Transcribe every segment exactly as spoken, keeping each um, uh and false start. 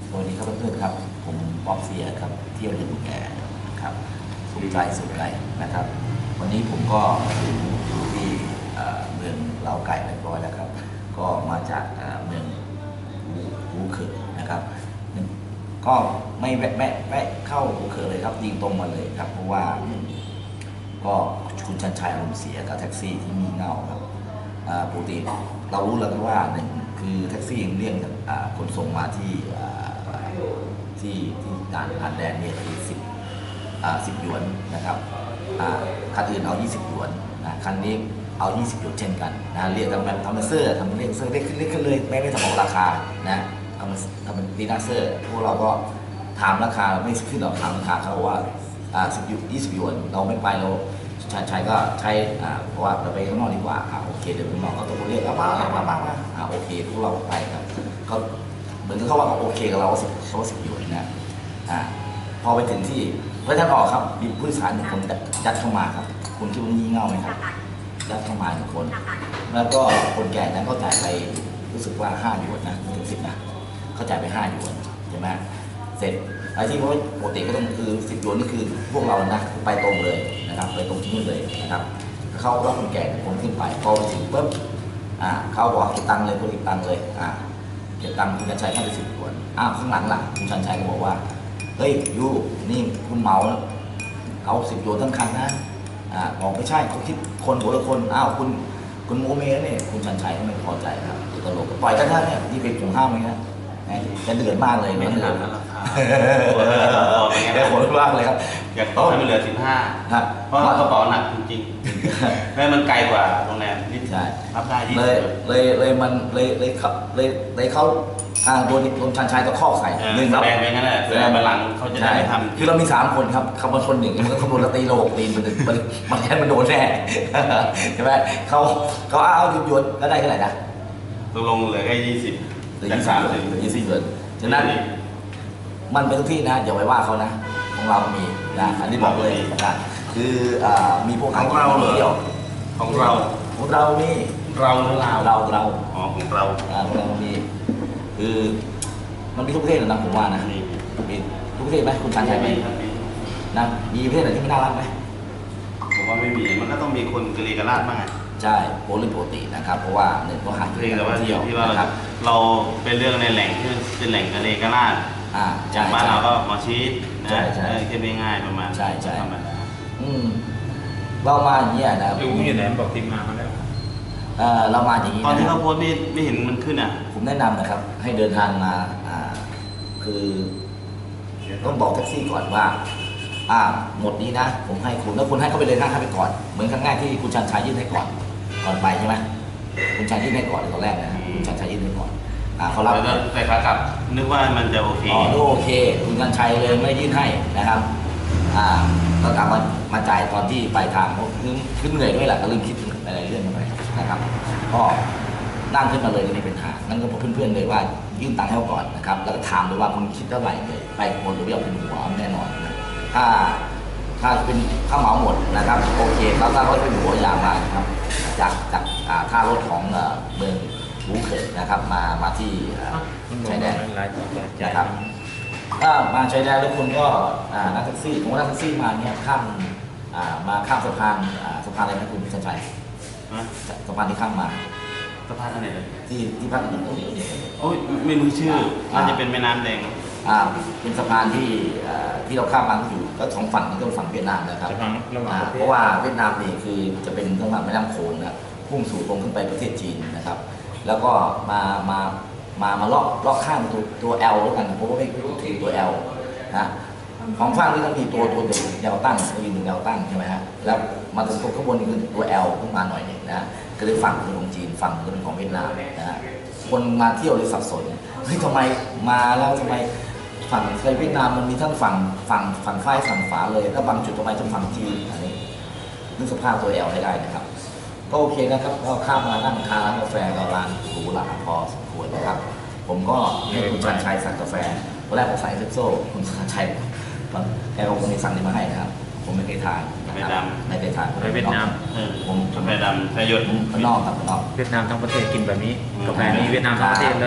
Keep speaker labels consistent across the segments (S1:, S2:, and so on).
S1: สวัสดีครับเพื่อนๆครับผมป๊อกเสียครับเที่ยวลืมแกครับสุขใจสุขใจนะครับวันนี้ผมก็ถึงที่เมืองเล้าไก่เรียบร้อยแล้วครับก็มาจากเมืองหูเขอนะครับก็ไม่แวะแวะแวะเข้าหูเขอเลยครับยิงตรงมาเลยครับเพราะว่าก็คุณชันชัยอารมณ์เสียกับแท็กซี่ที่มีเงาครับปกติเรารู้แล้วว่าหนึ่งคือแท็กซี่เรียกขนส่งมาที่ที่ที่ด่านผ่านแดนเนี่ยคือสิบสิบหยวนนะครับคันอื่นเอายี่สิบหยวนนะคันนี้เอายี่สิบหยวนเช่นกันนะเรียกทำแบบทำเป็นเสื้อทำเรียกเสื้อเรียกขึ้นเรียกขึ้นเลยไม่ไม่ทำบอกราคานะทำทำเป็นดีนาเซอร์พวกเราก็ถามราคาไม่ขึ้นหรอกถามราคาเขาว่าสิบยี่สิบหยวนเราไม่ไปเราชายชายก็ใช้เพราะว่าเราไปข้างนอกดีกว่าโอเคเดี๋ยวข้างนอกเขาต้องเรียกมามามามาโอเคพวกเราไปครับเขาเหมือนเขาว่าเขาโอเคกับเราสิบเขาสิบหยวนนะพอไปถึงที่เพื่อท่านออกครับมีผู้โดยสารหนึ่งคนยัดเข้ามาครับคุณคิดว่างี่เง่าไหมครับยัดเข้ามาหนึ่งคนแล้วก็คนแก่นั้นเขาจ่ายไปรู้สึกว่าห้าหยวนนะถึงสิบนะเขาจ่ายไปห้าหยวนใช่ไหมเสร็จไอ้ที่ว่าปกติก็ต้องคือสิบหยวนนี่คือพวกเรานะไปตรงเลยนะครับไปตรงที่นู่นเลยนะครับเขาก็คนแก่คนขึ้นไปพอไปถึงปุ๊บอ่าเขาบอกเก็บตังค์เลยคนเก็บตังค์เลยอ่าเก็บตังค์คุณชันชัยให้ไปสิบหยวนอ้าวข้างหลังล่ะคุณชันชัยก็บอกว่าเฮ้ยยูนี่คุณเมาเอาสิบหยวนทั้งคันนะอ่าบอกไม่ใช่เขาคิดคนหัวละคนอ้าวคุณคุณโมเมเนี่ยคุณชันชัยก็ไม่พอใจครับตลกปล่อยกันได้เนี่ยนี่เป็นผมห้ามไหมนะจะเดือดมากเลย
S2: ไม่
S1: เดือด
S2: ราคา
S1: ได้ผลมากเลยครับ
S2: อยากต่อให้มันเหลือสิบห้าเพราะกระเป๋าหนักจริงๆแล้วมันไกลกว่าโรงแรมนิดรับได้ที่
S1: เลยเลยเลยมันเลยเลยขับเลยเลยเขาอ่าโดนโดนชันชัยตะคอกใส่
S2: หนึ่งครับแบงไปงั้นแหละแบงบัลลังเขาจะได้ไม่ทำ
S1: คือเรามีสามคนครับขับมาชนหนึ่งมันก็ขบวนละตีโลกตีนมันมันมันแค่มันโดนแน่ใช่ไหมเขาเขาเอาหยุดหยุดแล้วได้เท่าไหร่นะ
S2: ตกลงเหลือแค่ยี่สิบ
S1: จากสามสิบยี่สิบเดือนฉะนั้นมันเป็นทุกที่นะอย่าไปว่าเขานะของเรามีนะอันนี้บอกเลยนะคือมีพวก
S2: ของเราเที่ยวของเรา
S1: ของเรานี่
S2: เราหรือเรา
S1: เราเรา
S2: อ๋อของเรา
S1: ของเรามีคือมันมีทุกประเทศนะผมว่านะมีทุกประเทศไหมคุณชันชัยไหมนะมีประเทศไหนที่ไม่น่ารักไหม
S2: ผมว่าไม่มีมันก็ต้องมีคนกรีกราดบ้าง
S1: ใช่โปรลิปกตินะครับเพราะว่าหนึ่งก็หา
S2: ที่เที่ยวที่ว่าเราเป็นเรื่องในแหล่งที่เป็นแหล่งกรีกราด
S1: อ่า
S2: จากบ้านเราก็มาชีสนะแค่ไม่ง่ายประมาณ
S1: ใช่ใช่อืมเรามาอย่างนี้นะ
S3: รู้อยู่ไหนบอกทีมงานมาแล้ว
S1: เออเรามาอย่างนี้
S2: ตอนที่เขาโพสต์ไม่ไม่เห็นมันขึ้นอ่ะ
S1: ผมแนะนำนะครับให้เดินทางมาอ่าคือต้องบอกแท็กซี่ก่อนว่าอ่าหมดนี้นะผมให้คุณแล้วคุณให้เขาไปเลยนะให้ไปก่อนเหมือนครั้งแรกที่คุณชันชัยยื่นให้ก่อนก่อนไปใช่ไหมคุณชันยื่นให้ก่อนตอนแรกนะคุณชันชัยยื่นให้ก่อนอ่าเขารับ
S2: แต่ขากลับนึกว่ามันจะโอเค
S1: อ๋อโอเคคุณชันชัยเลยไม่ยื่นให้นะครับอ่าก็กลับมามาจ่ายตอนที่ปลายทางเพราะคือคือเหนื่อยด้วยแหละก็ลืมคิดอะไรเรื่องไปนะครับก็นั่งขึ้นมาเลยนี่เป็นหานั่นก็บอกเพื่อนๆเลยว่ายื่นตังค์ให้เขาก่อนนะครับแล้วก็ถามเลยว่าคุณคิดเท่าไหร่เลยไปหมดหรือไม่เอาเป็นหัวแน่นอนนะถ้าถ้าเป็นข้าวเหมาหมดนะครับโอเคแล้วถ้าเขาเป็นหัวอย่างมาครับจากจากท่ารถของเมืองหูเขยนะครับมามาที่ชายแดนนะครับถ้ามาชายแดนแล้วคุณก็นั่งแท็กซี่ผมว่านั่งแท็กซี่มาเนี่ยข้ามมาข้ามสะพานสะพานอะไรนะคุณชันชัยสะพานที่ข้ามมา
S2: สะพานอะไร
S1: ที่ที่ภาคเหนือ
S2: โอ้ยไม่รู้ชื่อมันจะเป็นแม่น้ำแดง
S1: อ่าเป็นสะพานที่ที่เราข้ามมาอยู่ก็สองฝั่งนี่ก็ฝั่งเวียดนามนะครับเพราะว่าเวียดนามนี่คือจะเป็นทางฝั่งแม่น้ำโขงนะพุ่งสู่ตรงขึ้นไปประเทศจีนนะครับแล้วก็มามามามาลอกลอกข้ามตัวตัว L แล้วกันเพราะว่าไม่รู้ถึงตัว L นะของฝั่งนี้ต้องมีตัวตัวเดียวยาวตั้งตัวยืนยาวตั้งใช่ไหมฮะแล้วมาถึงตรงข้างบนนี่คือตัว L ขึ้นมาหน่อยนึงนะก็เลยฝั่งเป็นของจีนฝั่งก็เป็นของเวียดนามนะฮะคนมาเที่ยวเลยสับสนเฮ้ยทำไมมาแล้วทำไมฝั่งไทยเวียดนามมันมีทั้งฝั่งฝั่งฝั่งฝ้ายฝั่งฝาเลยแล้วบางจุดทำไมต้องฝั่งจีนอันนี้นึกสภาพตัว L ให้ได้นะครับก็โอเคนะครับก็ข้ามมานั่งทานร้านกาแฟก็ร้านหรูหราพอสมควรนะครับผมก็ให้คุณชันชัยสั่งกาแฟตอนแรกผมใส่เอสเปรสโซ่คุณชันชัยแกก็คงมีสั่งนี้มาให้นะครับผมไม่เคยทาน
S2: ไม่ดำ
S1: ไม่เคยทาน
S3: ไปเวียดนาม
S1: ผม
S2: กาแฟดำใส่หยด
S1: ข้างนอกครับข้างนอก
S3: เวียดนามทั้งประเทศกินแบบนี้กาแฟนี้เวียดนามทั้งประเทศเลย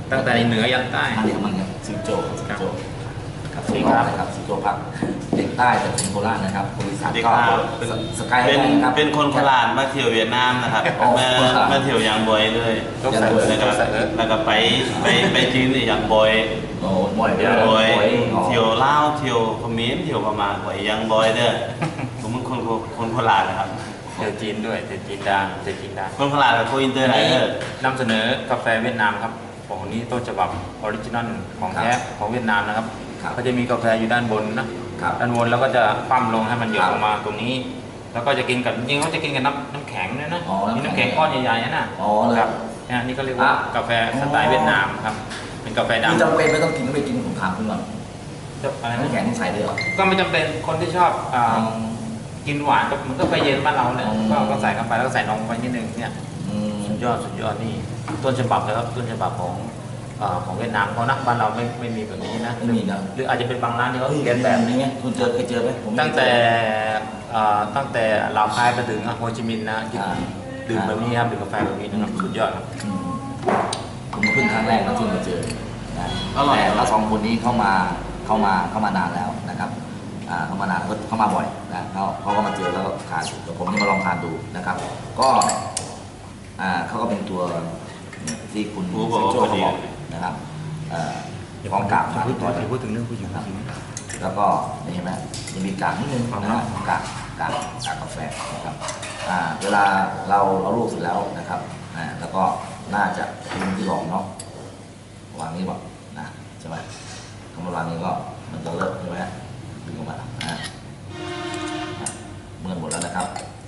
S3: ตั้งแต่เหนือยันใต้
S1: อันนี้มันครับซิโจซิโจครับ
S3: สวัสดี
S1: ซิ
S3: ครับ
S1: นะครับซิโจพักเด็กใต้แต่เป็นโคราชนะครับคนอีสาน
S2: เด็ก
S1: ก็
S2: ลาวเป็น
S1: สกาย
S2: เป็น
S1: ได้นะครับ
S2: เป็นคนโคราชมาเที่ยวเวียดนามนะครับ
S1: อ๋อ
S2: มามาเที่ยวยางบอยเลย
S3: ยกใส่เออ
S2: แล้วก็
S3: ยกใส่เออ
S2: แล้วก็ไปไปไปจีนอีกอย่างบอย
S1: โอ้บ่อยเล
S2: อย ย่างบอย
S1: บ่อยอ๋อ
S2: เที่ยวลาวเที่ยวเขมรเที่ยวพม่าบ่อยอย่างบอยเด้อผมเป็นคนคนโคราชนะครับ
S3: เที่ยวจีนด้วยเที่ยวจีนดังเที่ยวจีนดัง
S2: คนโคราชกับคนอินเตอร์ไล
S3: นี่
S2: เดอร์
S3: นำเสนอกาแฟเวียดนามครับของนี้ต้นฉบับออริจินอลของแท้ของเวียดนามนะครับ
S1: ครับ
S3: ก็จะมีกาแฟอยู่ด้านบนนะครับ ด้านบนแล้วก็จะคว่ำลงให้มันหยด
S1: ครับ
S3: ลงมาตรงนี้ แล้วก็จะกินกับจริงๆเขาจะกินกับน้ำน้ำแข็งด้วยนะ
S1: อ๋อน้ำแข็ง
S3: มีน้ำแข็งก้อนใหญ่ๆนะ
S1: อ๋อเลย
S3: ครับเนี่ยนี่ก็เรียกว่า
S1: อ่ะ
S3: กาแฟสไตล์เวียดนามครับเป็นกาแฟ
S1: คือ
S3: ดำ
S1: จำเป็นไม่ต้องกินไม่กินผมถามคุณก่อน
S3: จะอะไร
S1: น้ำ
S3: นะ
S1: แข็งใส่เลยเหรอ
S3: ก็ไม่จำเป็นคนที่ชอบอ่า
S1: อ๋อ
S3: กินหวานก็มันก็ไปเย็นบ้านเราเนี่ย
S1: อ๋อ
S3: ก็ก็ใส่เข้าไปแล้วก็ใส่นมไปนิดนึงเนี่ย
S1: อืม
S3: สุดยอดสุดยอดนี่ต้นฉบับเลยครับต้นฉบับของเอ่อของเวียดนามเขานะบ้านเราไม่ไม่มีแบบนี้นะ
S1: ไม่มีนะ
S3: หรืออาจจะเป็นบางร้านที่เขา
S1: เฮ้ย
S3: เรียน
S1: แบ
S3: แบบ บ
S1: นี้ไงคุณเจอเคยเจอไหมผมไม่
S3: ตั้ง
S1: เคย
S3: แต่
S1: เจอ
S3: เอ่อตั้งแต่ลาวคายไปถึงโฮจิมินห์นะกิน
S1: อ่า
S3: ดื่มแบบนี้ครับดื่มกาแฟแบบนี้นะครับสุดยอดครับ
S1: อืมผมเพิ่งครั้งแรกนะที่มาเจอนะ
S2: อร่อย
S1: แต่เราสองคนนี้เข้ามาเข้ามาเข้ามานานแล้วนะครับอ่าเข้ามานานก็เข้ามาบ่อยนะเขาเขาก็มาเจอแล้วก็ทานเดี๋ยวผมจะมาลองทานดูนะครับ ก็อ่าเขาก็เป็นตัวเนี่ยที่คุณ
S2: ผู้บอก
S1: ซิโจ้
S2: พอ
S1: เขา
S2: ดี
S1: บอกนะครับเอ่อพร้อมกาบมา
S3: พูด
S1: เรียบร้อย
S3: ถึงพูดถึงเรื่องผู้หญิง
S1: ครับ แล้วก็นี่เห็นไหมยังมีกากนิดนึงนะฮะกากกากกากกาแฟนะครับอ่าเวลาเราเอาลูกเสร็จแล้วนะครับอ่าแล้วก็น่าจะทิ้งที่รองเนาะวางนี้บอกนะใช่ไหมคำว่าวางนี้ก็มันจะเลิกใช่ไหมดึงออกมาอ่าอ่ะเมื่อหมดแล้วนะครับ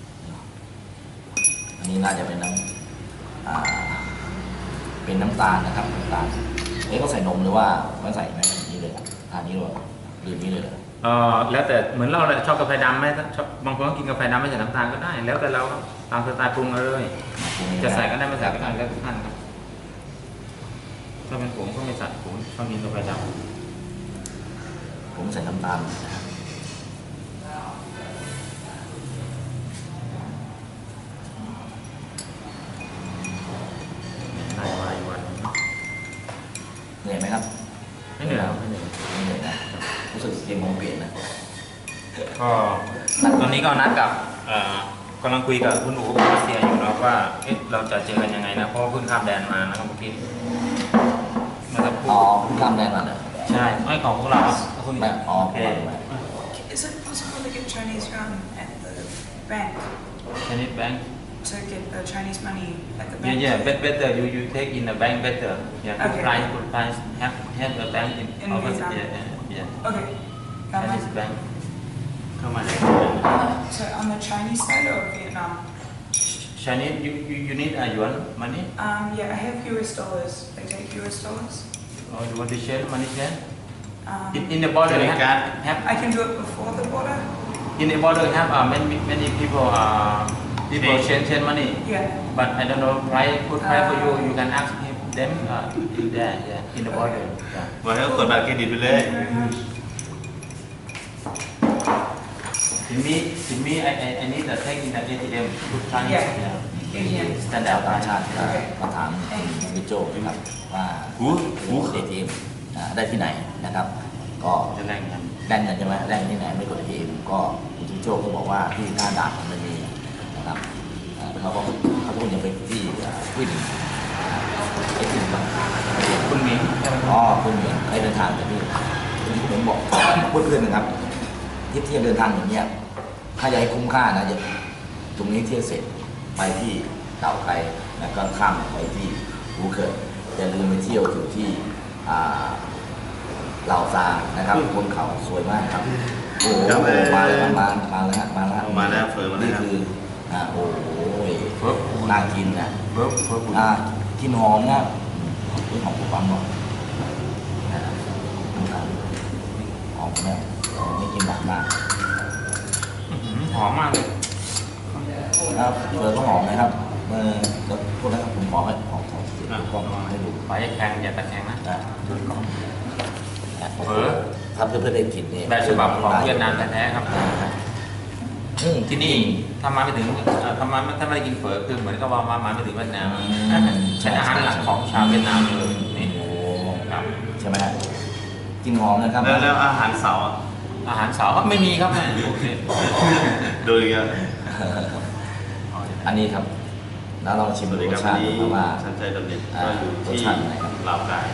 S1: อันนี้น่าจะเป็นน้ำอ่าเป็นน้ำตาลนะครับน้ำตาลเอ๊ะเขาใส่นมหรือว่าไม่ใส่ไหมแบบนี้เลยทานนี้เลยหรือนี้เลยเหรอ
S3: เออแล้วแต่เหมือนเราเลยชอบกาแฟดำไหมถ้าชอบบางคนก็กินกาแฟดำไม่ใส่น้ำตาลก็ได้ แล้วแต่เราครับตามสไตล์ปรุงเอาเลย จะใส่ก็ได้ไม่ใส่ก็ได้แล้วแต่ท่านครับถ้าเป็นผมก็ไม่ใส่ผมชอบกินกาแฟด
S1: ผมใส่น้ำตาลนะครับ
S3: ำได้มาอีกวันหนึ่ง
S1: เหนื่อยไหมครับ
S3: ไม่เหนื่อยครับไม่เหนื่อย
S1: ไม่เหนื่อยนะรู้สึกเกมมองเปลี่ยนนะ
S3: ก็ตอนนี้ก็นัดกับเอ่อกำลังคุยกับคุณอู๋กับรัสเซียอยู่นะว่าเอ๊ะเราจะเจอกันยังไงนะเพราะว่าเพิ่งข้ามแดนมานะครับเมื่อกี้เมื่อสักค
S1: อ๋
S3: รู่
S1: อคุณทำได้มาเหรอ
S3: ใช่ไม่ของพวกเราคุณ
S1: ไม่อ๋อ
S3: โอ
S1: ผ
S3: เค
S1: มมา
S4: Is it possible to get Chinese yuan at the bank?
S3: ชนิดแบงค์
S4: To get the Chinese money at the
S3: yeah
S4: bank?
S3: yeah bet- better you you take in the bank better yeah good
S4: Okay.
S3: price good price have have the bank in
S4: In
S3: our
S4: Vietnam.
S3: yeah yeah yeah
S4: Okay. Um,
S3: Chinese bank
S2: เข้ามาได้
S4: so on the Chinese side or Vietnam?
S3: Chinese you you you need a yuan money
S4: Um, yeah, I have U S dollars. They take U S dollars.
S3: or you want to change money change
S4: Um,
S3: in in the border
S2: Credit
S3: have,
S2: card.
S3: have
S4: I can do it before the border.
S3: in the border have uh, many many people uh people
S2: Change.
S3: change change money
S4: Yeah.
S3: but I don't know price good price for you you can ask him them uh, in there yeah in the border yeah.
S2: บอกให้เขากดบัตรเครดิตไปเลย
S3: To me to me I I I need to take in the A T M good price
S4: Yeah.
S3: yeah.
S4: A T M.
S1: แต่ดาว
S3: standard
S1: ต่าง
S3: price
S1: ชาติมาถามคุณวิโจนะครับว่า
S2: หูหู
S1: เอทีเอ็มได้ที่ไหนนะครับ ก็
S3: จะแรงกัน
S1: ได้เงินใช่ไหมได้ที่ไหนไม่กดเอทีเอ็มก็คุณวิโจก็บอกว่าที่หน้าด่านมันมีนะครับอ่าเขาก็เขาพูดยังไปที่วินไอ้ที่บ้าง
S3: คุณหมิงใช่ไหม
S1: อ๋อคุณเหมียนให้เดินทางแต่พี่ที่ผมบอกเพื่อนๆนะครับที่เที่ยวเดินทางอย่างเงี้ยถ้าอยากให้คุ้มค่านะจะตรงนี้เที่ยวเสร็จไปที่เต่าไคแล้วก็ข้ามไปที่ภูเก็ตอย่าลืมไปเที่ยวอยู่ที่อ่าเหล่าซานะครับบนเขาสวยมากครับโอ้โห
S2: ครับ
S1: มาเลยมามาแล้วฮะมาแล้ว
S2: มาแล้วเฟิร์มมาแล้ว
S1: นี่
S2: ครับ
S1: คืออ่าโอ้โห
S3: เพิ่ม
S1: น่ากินนะ
S3: เพิ่มเพิ่ม
S1: อ่ากินหอมนะอืมหอมปุ๊บปั๊มก่อนนะครับหอมนะไม่กินหนักมาก
S3: หอมมากเลย
S1: ครับเจอก็หอมนะครับเมื่อแล้วพวกนั้นผมขอให้ขอขอเสียงกล้องให้ดู
S3: ขออย่าแข็งอย่าตะแคงนะ
S1: นะ
S3: ดูกล้อง
S1: นะ
S3: เออ
S1: ทำเพื่อเพื่อได้กินเนี่ย
S3: แบบฉบับของเวียดนามแท้ๆครับ
S1: อืม
S3: ที่นี่ถ้ามาไม่ถึงเอ่อถ้ามาถ้าไม่ได้กินเฝอคือเหมือนกับว่ามามาไม่ถึงเวียดนาม
S1: อืม
S3: เป็นอาหารหลักของชาวเวียดนามเลยนี่
S1: โอ้โหใช่ไหมฮะกลิ่นหอมนะครับ
S2: แล้วแล้วอาหารเสาร์อะ
S3: อาหารเสาร์ครับไม่มีครับไม่โอเค
S2: ดูอีกแล้ว
S1: อันนี้ครับแล้วเราชิม
S2: สวัส
S1: ร
S2: ดี
S1: ส
S2: ครับ
S1: ชา
S2: วัน
S1: ติ
S2: นี้
S1: ดูว่า
S2: ชันชัยดำเนิน
S1: อ่า
S2: ก็อยู่ที่
S1: รสชาติไหนครับ
S2: ลาวกาย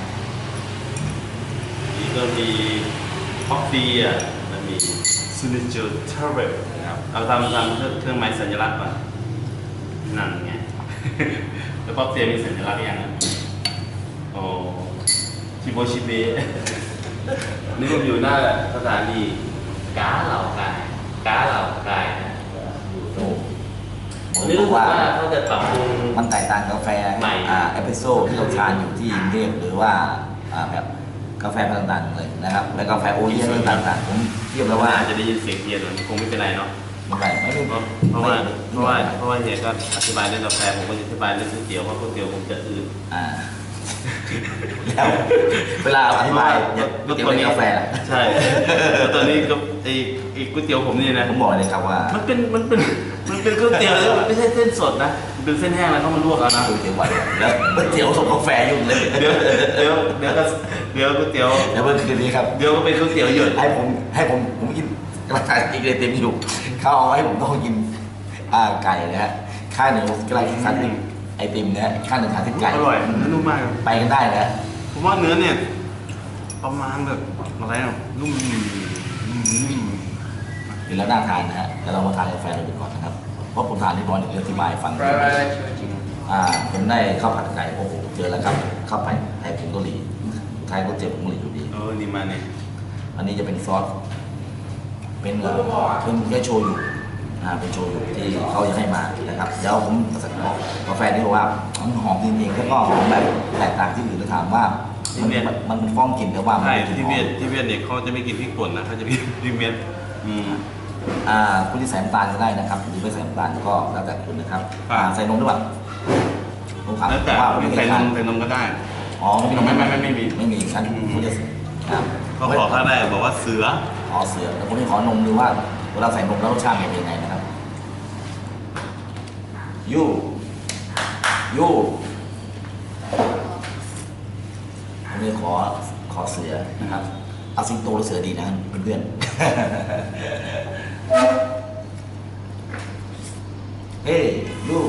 S2: นี่ก็มีคอฟฟี่อ่ะมันมีซูนิจูเทอร์เรลนะครับเอาทำทำเครื่องหมายสัญลักษณ์ก่อนนั่นไง แล้วคอฟฟี่มีสัญลักษณ์ยังอ่ะโอ้ชิโบชิเบะ นี่ผมอยู่หน้าสถานีก้าเหล่ากายก้าเหล่ากายนะอยู่ตร
S1: โอ้
S2: ง
S1: ผม
S2: นี่
S1: บ
S2: รู้
S1: อก
S2: สึก
S1: ว่า
S2: ว่าเขาจะปรับปรุง
S1: มันแตกต่างกาแฟ
S2: ใหม่
S1: อ่าเอสเปรสโซ่ที่เราทานอยู่ที่กรุงเทพหรือว่าอ่าแบบกาแฟต่างๆเลยนะครับและกาแฟโอเลี้ยงต่างๆผมเทียบแล้ว
S2: ว่า
S1: ว่า
S2: อาจจะได้ยินเสียงเทียนมันคงไม่เป็นไรเนาะ
S1: ไม่ไม่ไม่
S2: เพราะเพราะว่าเพราะว่าเพราะว่าเฮียก็อธิบายเรื่องกาแฟผมก็จะอธิบายเรื่องก๋วยเตี๋ยวว่าก๋วยเตี๋ยวผมจะอืด
S1: อ่าแล้วเวลาอธิบายเนี่ยก๋วยเตี๋ยวเป็นกาแฟ
S2: ใช่แล้วตอนนี้ก็ไอ้ไอ้ก๋วยเตี๋ยวผมนี่นะ
S1: ผมบอกเลยครับว่า
S2: มันเป็นมันเป็นมันเป็นก๋วยเตี๋ยวเลยมันไม่ใช่เส้นสดนะมันเป็นเส้นแห้งแล้วเขามาลวกเอานะ
S1: ก๋วยเตี๋ยวหวานแล้วก๋วยเตี๋ยวส่งกาแฟยุ่งเลย
S2: เดี๋ยวเดี๋ยวเดี๋ยวก็เดี๋ยวก๋วยเตี๋ยว
S1: เดี๋ยวเมื่อคืนนี้ครับ
S2: เดี๋ยวก็เป็นก๋วยเตี๋ยวหยด
S1: ให้ผมให้ผมผมกินกระต่ายอีกเลยเต็มอยู่เขาเอาให้ผมต้องกินอ่าไก่นะฮะข้างหนึ่งกระไรทานติมไอติมนะฮะข้างหนึ่งทานที่ไก่
S2: อร่อยนุ่มมาก
S1: ไปกันได้นะ
S2: ผมว่าเนื้อเนี่ยประมาณแบบอะไรอ่ะนุ่มนุ่ม
S1: เดี๋ยวเราน่าทานนะฮะแต่เรามาทานกาแฟเราดูก่อนนะครับเพราะผมทานที่บอลเดี๋ยวอธิบายฟังอ่าผมได้ข้าวผัดไก่โอ้โหเจอแล้วครับข้าวผัดไทยผงกะหรี่ไทยก็เจ็บผงกะหรี่อยู่ดี
S2: เออนี่มาเนี่ย
S1: อันนี้จะเป็นซอส เป็นเอ่อเป็นแค่โชยุอ่า เป็นโชยุที่เขาจะให้มานะครับ เดี๋ยวผมสั่งบอกกาแฟนี่บอกว่ามันหอมจริงๆแล้วก็หอมแบบแตกต่างที่อื่นจะถามว่า มันมันมันเป็นฟ้องกลิ่นแต่ว่ามัน
S2: ใช่
S1: เป็นกลิ่น
S2: ที่
S1: หอ
S2: เวียด
S1: ม
S2: ที่เวียดเนี่ยเขาจะไม่กินพริกป่นนะเขาจะมีพริกเม็ดอืม
S1: อ่า คุณที่ใส่น้ำตาลก็ได้นะครับ หรือไม่ใส่น้ำตาลก็แล้วแต่คุณนะครับ
S2: ครับ
S1: อ่า ใส่นมด้วยป่ะผมถาม
S2: แล้วแต่
S1: ว่า
S2: ไม่ใส่นมใส่นมก็ได้
S1: อ๋อไม่มีนม
S2: ไม่ไม่ไม่ไม่มี
S1: ไม่มีชั้นคุณจะครับ
S2: เขาขอข้างได้บอกว่าเสือ
S1: ขอเสือแต่ผมจะขอนมดูว่าเวลาใส่นมแล้วรสชาติเป็นยังไงนะครับยูยูผมจะขอขอเสือนะครับเอาสิงโตหรือเสือดีนะเพื่อนๆ เฮ้ยยู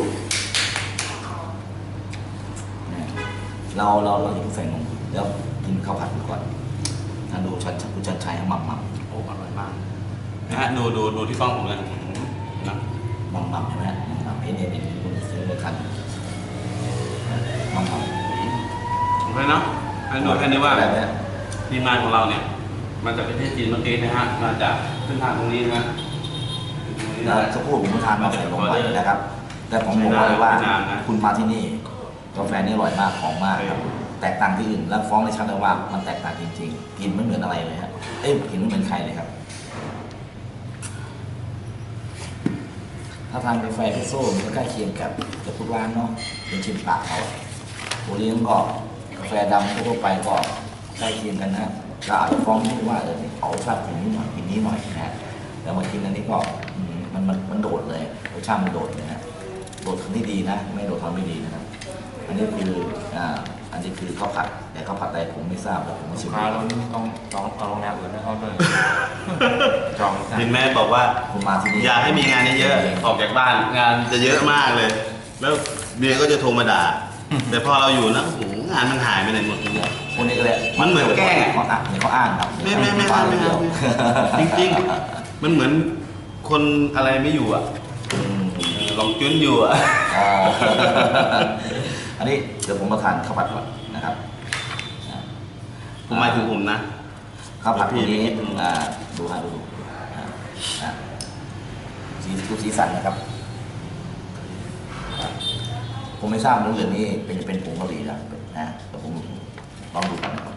S1: เราเราเราอย่าเพิ่งใส่นมเดี๋ยวกินข้าวผัดดูก่อนถ้าดูชันคุณชันชัยหมักหมัก
S2: โอ้อร่อยมากนะฮะดูดูดูที่กล้องผมเลยนะ
S1: หมักหมักใช่ไหมหมักให้เนี่ยเป็นคุณซื้อเลยคันหมักหมัก
S2: โอเคเนาะให้ดูแค่นี้ว่า
S1: แบบนี้
S2: ทีมงานของเราเนี่ยมาจากประเทศจีนเมื่อกี้นะฮะมาจากเส้นทางตรงนี้นะฮะตรงนี้
S1: แล้ว
S2: นะ
S1: สักครู่ผมทานมาใส่ลงไปนะครับ แต่ผมบอกเลยว่า
S2: ไม่นานนะ
S1: คุณมาที่นี่กาแฟนี่อร่อยมากหอมมากครับแตกต่างที่อื่นแล้วฟ้องได้ชัดเลยว่ามันแตกต่างจริงๆกลิ่นไม่เหมือนอะไรเลยฮะเอ้ยกลิ่นไม่เหมือนใครเลยครับ ถ้าทานกาแฟพิโซ่มันก็ใกล้เคียงกับกับทุกร้านเนาะเป็นชิมปากเขาโอเลี้ยงก็กาแฟดำทั่วไปก็ใกล้เคียงกันนะก็อาจจะฟ้องที่ว่าเออเขาชอบกินนี้หน่อยกินนี้หน่อยนะฮะแต่มากินอันนี้ก็อืมมันมันมันโดดเลยรสชาติมันโดดเลยนะโดดทำที่ดีนะ ไม่โดดทำไม่ดีนะครับ อันนี้คืออ่าอันนี้คือข้าวผัดแต่ข้าวผัดอะไรผมไม่ทราบแต่ผมไม่ชิม
S3: ลูกค้าเราต้องต้องเอาโรงแรมอื่นให้เขาด้วยจอง
S2: เห็นแม่บอกว่า
S1: ผมมาที่นี่
S2: อยากให้มีงานเยอะๆออกจากบ้านงานจะเยอะมากเลย แล้วเมียก็จะโทรมาด่า แต่พอเราอยู่นะโอ้โหงานมันหายไปไหนหมดเลย
S1: คนนี้ก็เลย
S2: มันเหมือนแกล้งอะ
S1: เขาอ่านเขาอ้างครับ
S2: ไม่ไม่ไม่ไม่ไม่ไม่จริงๆ มันเหมือนคนอะไรไม่อยู่อ่ะ
S1: อืม
S2: เออลองจุ้นอยู่อ่ะ
S1: อ่า อันนี้เดี๋ยวผมมาทานข้าวผัดก่อนนะครับอ่า
S2: ผมหมายถึงผมนะ
S1: ข้าวผัดตัวนี้
S2: พี่พี่
S1: อ่าดูฮะดูดูอ่าอ่าสีดูสีสันนะครับ ผมไม่ทราบว่าเหลืองนี่เป็นเป็นผงกะหรี่นะนะแต่ผมลองดูกันนะครับ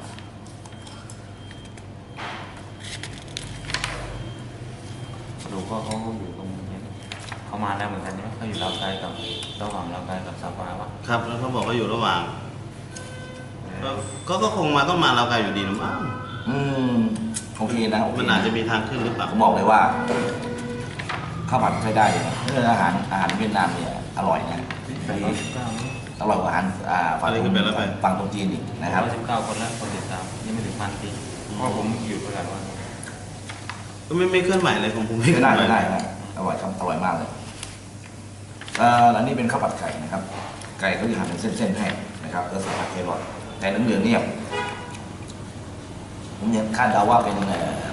S3: ดูก็เขาอยู่ตรงนี้เขามาแล้วเหมือนกันใช่ไหมเขาอยู่ลาวไกลกับระหว่างลาวไกลกับซาฟาวะ
S2: ครับแล้วเขาบอกว่าอยู่ระหว่าง ก็ก็ก็คงมาต้องมาเราไกลอยู่ดีนะมั้ง
S1: อืมโอเคนะโอเค
S2: มันอาจจะมีทางขึ้นหรือเปล่า
S1: ผมบอกเลยว่าข้าวผัดใช้ได้เลยนะเรื่องอาหารอาหารเวียดนามเนี่ยอร่อยนะ
S3: แปดร้อยสิบเก้า
S1: อร่อยกว่าอาหารอ่าฝั่ง
S2: อะไรคือแปดร้อยแปด
S1: ฝั่งตรงจีนอีกนะครับ
S3: แปดร้อยสิบเก้าคนแล้วคนติดตามยังไม่วันปีเพราะผมอยู่ประมาณวัน
S2: ก็ไม่ไม่เคลื่อนไหวเลยของผมไม่เคลื่
S1: ได้
S2: อนไหว
S1: ได้ได้อร่อยครับอร่อยมากเลยเอ่ออันนี้เป็นข้าวผัดไก่นะครับ ไก่ก็จะหั่นเป็นเส้นๆให้นะครับแล้วใส่ผักแครอทแต่เหลืองๆเนี่ยผมยังคาดเดาว่าเป็นเอ่อ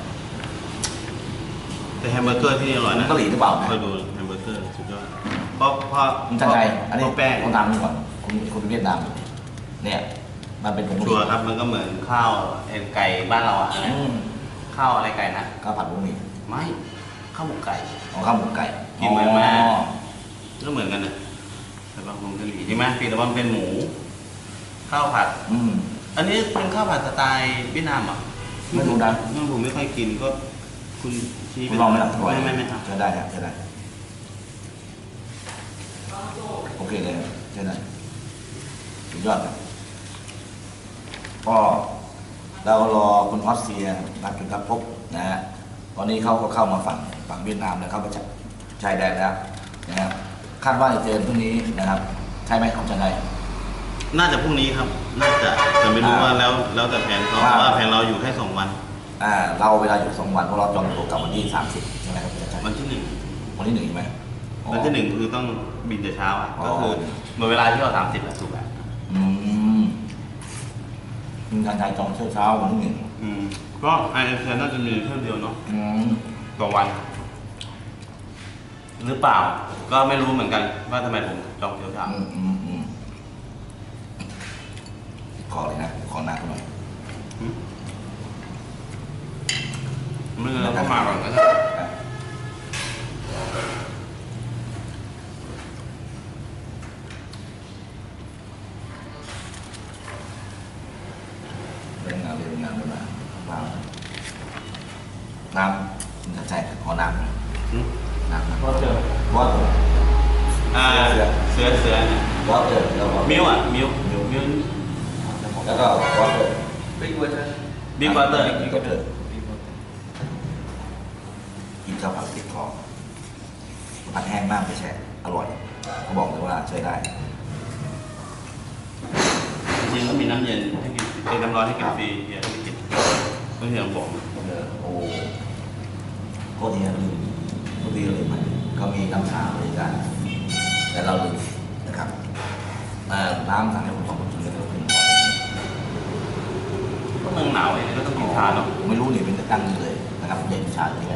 S2: แต่แฮมเบอร์เกอร์ที่นี่อร่อยนะ
S1: เกาหลีหรือเปล่านะ
S2: คอยดูแฮมเบอร์เกอร์สุดยอดเพราะเพราะ
S1: คุณจันชัยอันนี้
S2: เพราะแป้ง
S1: คนทำนี่ก่อนคุณคุณเวียดนามเนี่ยมันเป็นผง
S2: ชัวร์ครับมันก็เหมือนข้าวเอ็นไก่บ้านเราอะ
S1: อืม
S2: ข้าวอะไรไก่นะ
S1: ข้าวผัดบุ้งหมี่
S2: ไม่ข้าวหมกไก่
S1: ของข้าวหมกไก่
S2: กินเหมือนไหม
S1: อ๋อ
S2: ก็เหมือนกันนะแต่บางคนกะหรี่ใช่ไหมเพียงแต่ว่ามันเป็นหมู ข้าวผัด
S1: อืม
S2: อันนี้เป็นข้าวผัดสไตล์เวียดนามเหรอ
S1: ไม่รู้นะ
S2: ไม่ผมไม่ค่อยกินก็คุณชี้
S1: คุณลองไหมล่ะ
S2: ไม่ไม่ไม่ครับ
S1: จะได้ครับจะได้โอเคเลยจะได้สุดยอดครับก็เรารอคุณออสเซียนัดจุดพบนะฮะตอนนี้เขาก็เข้ามาฝั่งฝั่งเวียดนามแล้วเข้ามาจากชายแดนแล้วนะครับคาดว่าจะเจอพรุ่งนี้นะครับใช่ไหมของจันทร์
S2: น่าจะพรุ่งนี้ครับ น่าจะแต่ไม่รู้
S1: อ่า
S2: ว่าแล้วแล้วแต่แผนเขา
S1: ว่า
S2: เพราะว่าแผนเราอยู่แค่สองวัน
S1: อ่าเราเวลาอยู่สองวันเพราะเราจองตัวกลับวันที่สามสิบใช่ไหมครับคุณจันทร์
S2: วันที่หนึ่ง
S1: วันที่หนึ่งใช่ไหมอ๋อ
S2: วันที่หนึ่งคือต้องบินแต่เช้าอ่ะ
S1: อ๋อ
S2: ก็คือเมื่อเวลาที่เราสามสิบอะถูกแล้ว
S1: อืมคุณจันทร์จองเช้าเช้าๆวันที่หนึ่ง
S2: อืมก็ไอเอฟน่าจะมีเที่ยวเดียวเนาะ
S1: อืม
S2: ต่อวัน หรือเปล่า ก็ไม่รู้เหมือนกันว่าทำไมผมจองเที่ยวเช้า
S1: อืมอืมอืมขอเลยนะขอหน้าเขาหน่อย
S2: ไม่เลยก็มาก่อนก็ได้
S1: เรื่องงานเรื่องงานเรื่องงานว้าวน้ำคุณจันทร์ขอน้ำหน่อย
S2: อืม
S1: น้ำนะ
S3: ก็เจอ
S1: วอเตอร์
S2: อ่า
S1: เสือ
S2: เสือเสือเนี่ยว
S1: อเตอร์แล้วก็
S2: มิวอ่ะมิวมิวมิว
S1: แล้วก็วอเตอร์
S3: บิ๊กวัตเตอร์
S2: บิ๊กวอเตอร์
S1: บิ๊กวอเตอร์กินข้าวผัดติดคอผัดแห้งมากไม่ใช่อร่อยเขาบอกเลยว่าใช้ได้
S2: จริงๆก็มีน้ำเย็นให้กินเอ้ยน้ำร้อนให้กินฟรีเฮียไม่กินไม่เฮียบอก
S1: เออโอ้โคตรดีนะลืมโคตรดีเลยมันเขามีน้ำชาบริการแต่เราลืมนะครับเอ่อน้ำสั่งให้ผมสองคนกินแล้วก็คุณ
S2: ก็เมืองหนาวเองก็ต้องกินชาเนาะ
S1: ผมไม่รู้นี่เป็นแต่ตั้งเลยนะครับเย็นชาที่ไหน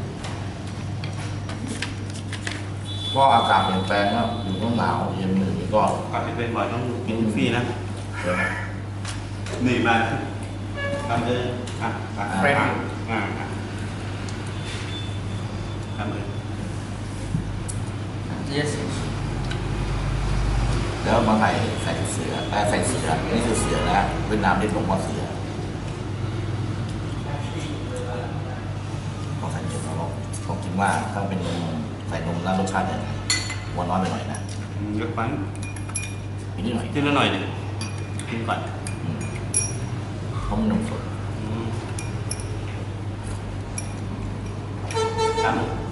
S1: ก็อากาศเปลี่ยนแปลงแล้วอยู่ต้องหนาวเย็นหนึ่งก็
S2: ก่อนที่เป็นบ่อยต้องกินฟรีนะ
S1: เดี๋ยวนะ
S2: นี่มาทำเลยอ่ะอ่ะ
S1: เฟรน
S2: อ่ะอ่ะอ่ะทำเลย
S3: yes
S1: แล้วมาใส่ใส่เสือแต่ใส่เสือนี่คือเสือนะเวียดนามเรียกหลวงพ่อเสือต้องใส่เยอะนะผมคิดว่าถ้าเป็นใส่นมแล้วรสชาติจะหวานน้อยไปหน่อยนะ
S2: อืมยกปั้น
S1: อีกนิดหน่อย
S2: กินละหน่อยหนึ่งกินก่อน
S1: อืมเพราะมันนมสด
S2: อืมครับ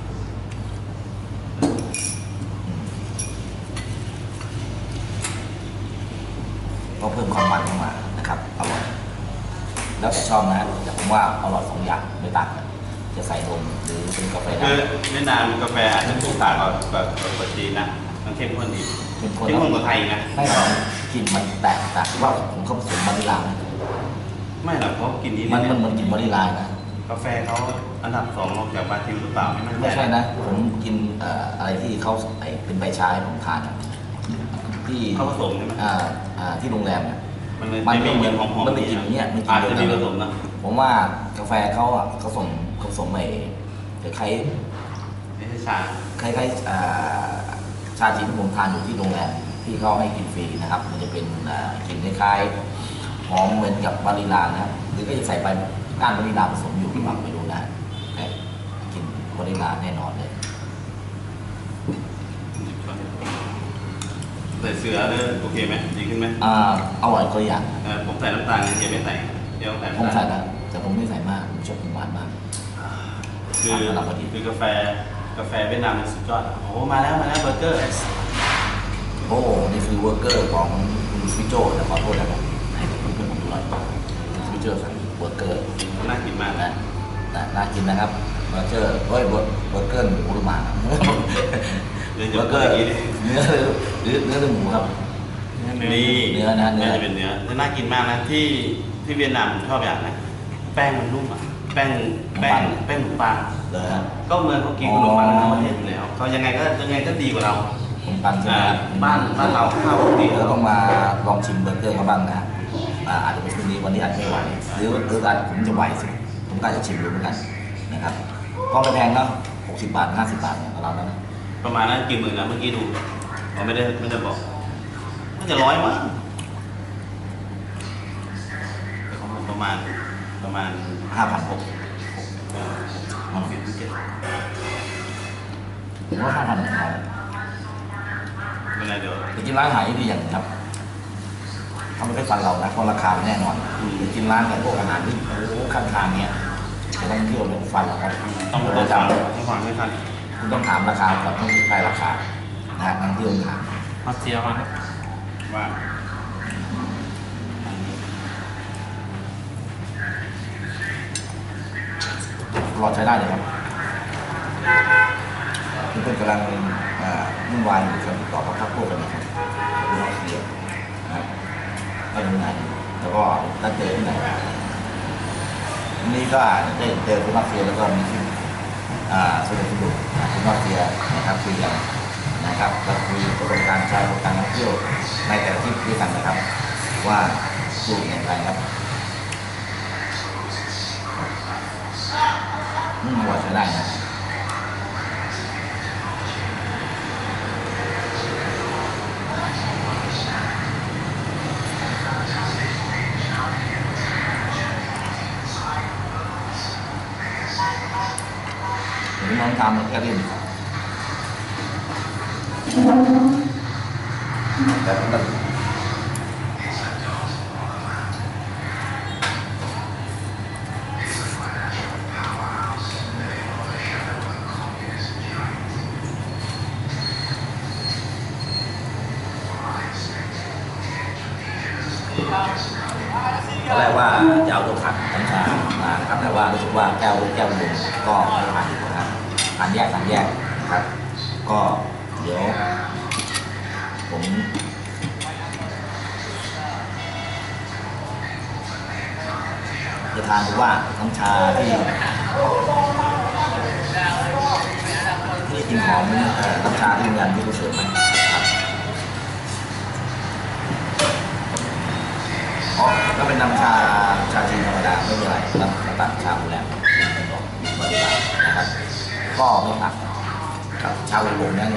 S1: ก็เพิ่มความมันเข้ามานะครับอร่อยแล้วแต่ชอบนะแต่ผมว่าอร่อยสองอย่างไม่ต่างกันจะใส่นมหรือเป็นกาแฟ
S2: คือ
S1: ดำ
S2: เวียดนามกาแฟอาจจะถูกต่างกับกับกับจีนนะมันเข้มข้นดี
S1: เป็นคน
S2: เข้มข้นกว่าไทยนะ
S1: ไม่หรอกกลิ่นมันแตกต่างว่าผมเขาผสมวานิลลานะ
S2: ไม่หรอกเพราะกินนี้
S1: มัน
S2: เย
S1: มันเหมือนกลิ่นวานิลลานะ
S2: กาแฟเขาอันดับสองรองจากบราซิลหรือเปล่าไม่มั่นใจ
S1: ไม่ใช่นะ ผมกินเอ่ออะไรที่เขาไอเป็นใบชาให้ผมทานอะที่
S2: เขาผสมใช่ไหม
S1: อ่าอ่าที่โรงแรมอะ
S2: มันเลย
S1: มัน
S2: ไม่
S1: ก็เหมื
S2: มี
S1: อน
S2: หอมๆ
S1: มันเป็นกลิ่นอย่างเงี้ยมันกลิ่
S2: อาจ
S1: น
S2: จะ
S1: เดี
S2: มี
S1: ยว
S2: ผ
S1: กัน
S2: สมนะ
S1: ผมว่ากาแฟเขาอ่ะเขาผสมเขาผสมไอ้คล้าย
S2: ไม่ใช่ชา
S1: ๆคล้ายๆอ่าชาจีนที่ผมทานอยู่ที่โรงแรมที่เขาให้กินฟรีนะครับ มันจะเป็นอ่ากลิ่นคล้ายๆหอมเหมือนกับวานิลลานะครับหรือก็จะใส่ใบก้านวานิลลาผสมอยู่หรือเปล่าไม่รู้นะแต่กลิ่นวานิลลาแน่นอนเลย
S2: ใส่เสือเลยโอเคไหมดีขึ้นไหม
S1: อ่าอร่อยก็อย่าง
S2: เออผมใส่น้ำตาลเฮียไม่ใส่เฮียต้องใส่
S1: ผม
S2: น้ำ
S1: ใส่
S2: ตาล
S1: แล้วแต่ผมไม่ใส่มากผมชอบกินหวานมาก
S2: คือ
S1: สำหรับพอดี
S2: คือกาแฟกาแฟเวียดนามมันสุดยอดอะโอ้โหมาแล้วมาแล้วเบอร์เกอร์
S1: โอ้นี่คือเวอร์เกอร์ของคุณฟิโจแต่ขอโทษนะครับให้เพื่อนๆผมดูหน่อยคุณฟิโจสั่งเบอร์เกอร์
S2: น่ากินมาก
S1: นะนะน่ากินนะครับเบอร์เกอร์เฮ้ยเบอร์เบอร์เกอร์หมูหรือหมา
S2: เดี๋ยว
S1: เบอร์เกอร์เนื้อหรือเนื้อหรือหมูครับ
S2: นี่
S1: เนื้อนะเนื้อ
S2: จะเป็นเนื้อจะน่ากินมากนะที่ที่เวียดนามผมชอบอย่างนะแป้งมันนุ่มอ่ะแป้งแป้งแป้งขนมปัง
S1: เลยฮะ
S2: ก็เมืองเขากินขนมปังทั้งประเทศอยู่แล้วเขายังไงก็ยังไงก็ดีกว่าเรา
S1: ผมปันใช่ไหม
S2: อ่า
S1: ครับ
S2: บ้านบ้านเราข้าวดี
S1: เดี๋ยว
S2: แล้
S1: เรา
S2: ว
S1: ต้องมาลองชิมเบอร์เกอร์เขาบ้างนะอ่าอาจจะเป็นคืนนี้วันนี้อาจจะไม่ไหวหรือหรืออาจผมจะไหวสิผมก็อาจจะชิมดูเหมือนกันนะครับก็ไม่แพงเนาะหกสิบบาทห้าสิบบาทเนี่ยเราแล้วนะ
S2: ประมาณนั้นกี่หมื่นนะเมื่อกี้ดูเราไม่ได้ไม่ได้บอกน่าจะร้อยมั้งแต่ของผมประมาณประมาณ
S1: ห้าพันหก
S2: เอ่อหกสิบหรือเจ็ด
S1: ผมว่าห้าพันของเรา
S2: เป็นไรเดี๋ยว
S1: ไปกินร้านอาหารที่ดีอย่างหนึงครับเขาไม่ได้ฟันเรานะเพราะราคาแน่นอนไปกินร้านแบบพวกอาหารที่โอ้โหข้างทางเนี่ยจะต้องเที่ยวเนี่ยฟันเราครับ
S2: ต้อง
S1: ป
S2: ต้
S1: ระ
S2: อง
S1: จ
S2: ฟังต้องฟังไม่ทัน
S1: ำคุณต้องถามราคากับต้องใกล้ราคานะฮะนักเที่ยวถาม
S3: มาเจียวมาครับ
S2: ว่า
S1: รอใช้ได้เลยครับทุกคนกำลังอ่าวุ่นวายอยู่กับติดต่อกับพรรคพวกกันนะครับคุณน้องเสียนะครับไม่รู้ไหนแล้วก็นัดเจอที่ไหนวันนี้ก็ได้เจอคุณน้องเสียแล้วก็มีที่อ่าสนุกสนุกคุณน้องเสียนะครับคุยกันนะครับแล้วคุยประสบการณ์ใช้ประสบการณ์ท่องเที่ยวในแต่ละที่ด้วยกันนะครับ ว่าสูตรอย่างไรครับอืมว่าใช้ได้นะเดี๋ยวน้องทำแค่เล่นแต่ผมแบบ ตอนแรกว่าจะเอาตัวขัดกัญชามานะครับแต่ว่ารู้สึกว่าแก้วแก้วลงก็ไม่ผ่านนะครับผ่านแยกผ่านแยกนะครับ ก็เดี๋ยวผมจะทานดูว่าน้ำชาที่ที่กินหอมเอ่อน้ำชาที่โรงแรมที่เขาเสิร์ฟไหมครับอ๋อก็เป็นน้ำชาชาจีนธรรมดาไม่มีอะไรน้ำตัดชาโรงแรมเป็นบอกบริการนะครับ ก็ไม่ตัดครับชาอุบลเนี่ย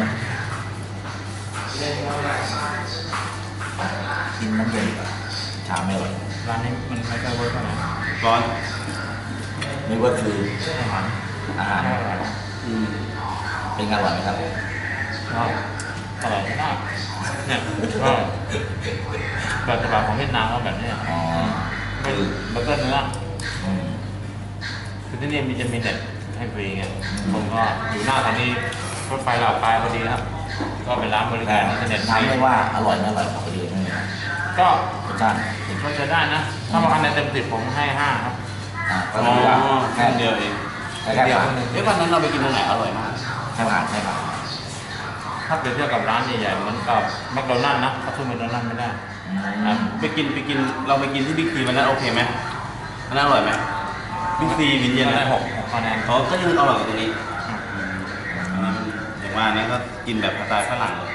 S1: กินน้ำเย็นดีกว่าชาไม่อร่อย
S3: ร้านนี้มันไม่ค่อยเวิร์กเท่าไหร่
S2: ร้อน
S1: นี่ก็คือ
S3: อาหาร
S1: อาหาร
S3: ไม่อร่อย
S2: อืม
S1: เป็นไงอร่อยไหมครับ
S3: เนาะอร่อยไม่ได้เนี่ยก็แบบฉบับของเวียดนามก็แบบนี้
S1: อ๋อ
S3: ไม่
S1: คือ
S3: เบอร์เกอร์เนื้อ
S1: อืม
S3: คือที่นี่มีจะมีเน็ตให้ฟรีไงผมก็อยู่หน้าสถานีรถไฟลาวปลายพอดีครับ ก็เป็นร้านบริ
S1: แต่
S3: การอินเทอร์เน็ตฟ
S1: ถาม
S3: รี
S1: ไม่ว่าอร่อยไม่อร่อยขอดีไม่มีนะ
S3: ก็
S1: รสชาติ
S3: ก็จะได้นะ ถ้าประกันในเต็มสิบผมให้ห้าครับ
S1: อ่าก็
S2: อ๋อ
S1: คือว่า
S2: แค่
S1: แค่
S2: เดียวเอง
S1: แค่แค่ผ่าน
S2: เอ๊ะวันนั้นเราไปกินตรงไหนอร่อยมาก
S1: แค่ผ่านแค่ผ่าน
S3: ถ้าเปรียบเทียบกับร้านใหญ่ๆเหมือนกับแมคโดนัลด์นะเขาสู้แมคโดนัลด์ไม่ได้
S1: อื
S2: อ่ะ
S1: ม
S2: ไปกินไปกินเราไปกินที่บิ๊กซีวันนั้นโอเคไหมอันนั้นอร่อยไหมบิ๊กซีวินเย็น
S3: ได้
S2: นะ
S3: หกหกคะแนน
S2: อ๋อก็ยังอร่อยกว่าตรงนี้อันนี้มันอย่างว่านะก็กินแบบสไตล์ฝรั่งเลย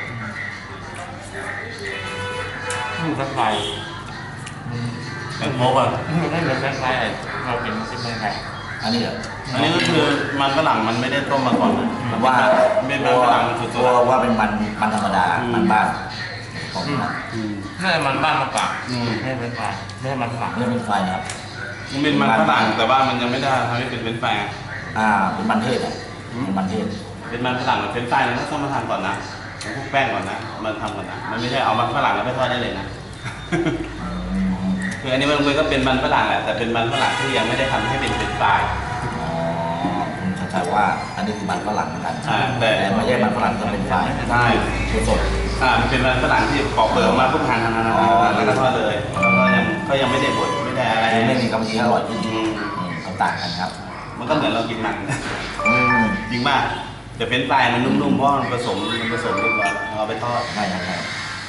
S3: อยู่ทั้งไทย
S2: แบบโมกอ่ะ
S3: ไม่เหมือนแบงค์ไทยเราเป็นซิมเบอร์ไทย
S1: อันนี้เหรอ
S2: อันนี้ก็คือมันฝรั่งมันไม่ได้ต้มมาก่อนนะ
S1: ผมว่า
S2: ไม่เป็นมันฝรั่งสุด
S1: ตัวว่าเป็นมันมันธรรมดา มันบ้านของมัน
S2: ๆอืม
S3: น่าจะมันบ้านมากกว่า
S2: อืม
S3: ไม่เป็นไทยไม่ใช่มันฝรั่ง
S1: ไม่เป็นไฟนะครับ
S2: มันเป็นมันฝรั่งแต่ว่ามันยังไม่ได้ทำให้เป็นเป็นแฟร์
S1: อ่าเป็นมันเทศอ่ะเป็นมันเทศ
S2: เป็นมันฝรั่งกับเป็นไฟนะต้องมาทำก่อนนะต้องคลุกแป้งก่อนนะมันทำก่อนนะมันไม่ใช่เอามันฝรั่งแล้วไปทอดได้เลยนะ
S1: อืม
S2: คืออันนี้มันก็เป็นมันฝรั่งแหละแต่เป็นมันฝรั่งที่ยังไม่ได้ทำให้เป็นเป็นไฟ
S1: อ๋อคุณชัดชัยว่าอันนี้คือมันฝรั่งเหมือนกัน
S2: อ่าแต่
S1: แต่ไม่ใช่มันฝรั่งที่เป็นไฟ
S2: ใช่
S1: คือสด
S2: อ่ามันเป็นมันฝรั่งที่ปอกเปลือกออกมาปุ๊บหั่นหั่นหั่นหั่นหั่นแล้วก็ทอดเลยแล้วก็ยังก็ยังไม่ได้บดไม่ได้ช่อะไร
S1: คือไม่มีกำมะหยี่อร่อยขึ้น
S2: อืม
S1: อืมเขาต่างกันครับ
S2: มันก็เหมือนเรากินมัน
S1: อืม
S2: จริงมากแต่เป็นปลายมันนุ่มๆเพราะมันผสมมันผสมเรียบร้อยเอาไปทอด
S1: ใช่ใช่ใช่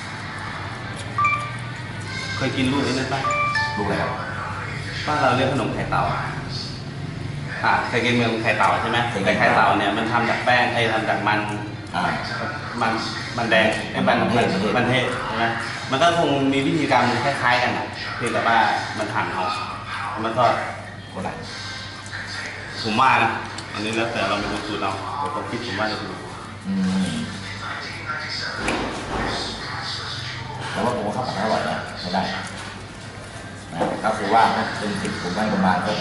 S2: เคยกินลูกนี้ไหมป้า
S1: ลูกอะไรครับ
S2: บ้านเราเรียกขนมไข่เต่าอ่าเคยกินเมืองไข่เต่าใช่ไหม
S1: เคยกิน
S2: แต่ไข่เต่าเนี่ยมันทำจากแป้งไอ้ทำจากมัน
S1: อ่า
S2: มันมันแดงไอ้มัน
S1: มันเทศ
S2: มันเทศใช่ไหมมันก็คงมีวิธีการคล้ายๆกันนะเพียงแต่ว่ามันหั่นเอาเอามาทอด
S1: คนไหน
S2: ผมว่านะอันนี้แล้วแต่เราเป็นคนสูตรเราแต่ผมคิดผมว่าจะถูก
S1: อืมแต่ว่าผมว่าข้าวผัดอร่อยนะใช้ได้นะก็คือว่าถ้าเป็นสิบผมให้ประมาณก็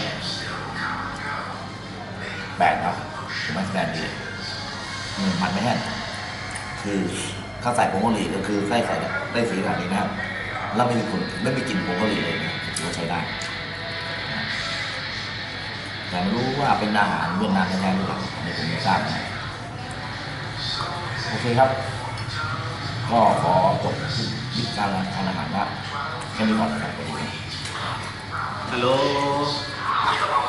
S1: แปดครับผมให้คะแนนดีอืมมันไม่แห้งคือข้าวใส่ผงกะหรี่ก็คือใส่ใส่ได้สีขนาดนี้นะครับแล้วไม่มีกลิ่นไม่มีกลิ่นผงกะหรี่เลยนะถือว่าใช้ได้นะแต่ไม่รู้ว่าเป็นอาหารเวียดนามแท้ๆหรือเปล่าอันนี้ผมไม่ทราบนะโอเคครับ ก็ขอจบวิธีการทานอาหารว่าแค่นี้ก่อนนะครับสวัสดีครับ
S2: ฮัลโหล